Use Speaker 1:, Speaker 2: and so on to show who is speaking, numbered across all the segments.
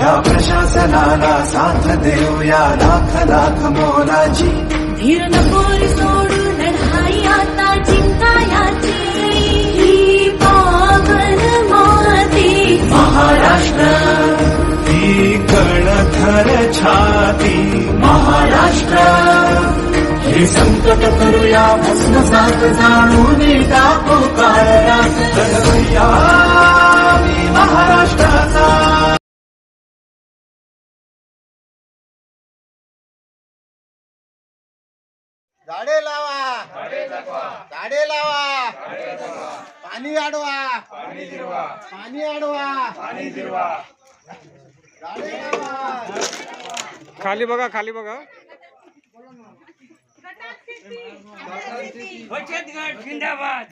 Speaker 1: या प्रशासनाला साथ देऊया लाख लाख मोलाची।
Speaker 2: धीर नको रे सोडू लढाई आता जिंकायाची। ही पावन माती
Speaker 1: महाराष्ट्र, ही कणथर छाती महाराष्ट्र। हे संकट करूया भस्मसात जाणून टाकू काळरात। लढवूया मी महाराष्ट्राचा।
Speaker 3: झाडे लावा, झाडे लावा, पाणी अडवा, पाणी अडवा, झाडे लावा।
Speaker 4: खाली बघा, खाली बघा।
Speaker 5: बचत गट जिंदाबाद।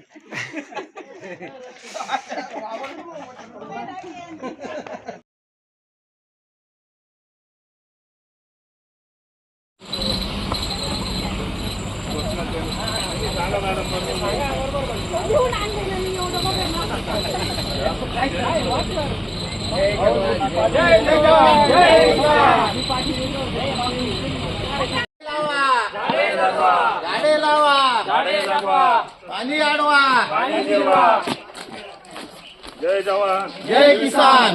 Speaker 3: झाडे लावा, पाणी अडवा,
Speaker 5: जय जवान,
Speaker 3: जय किसान।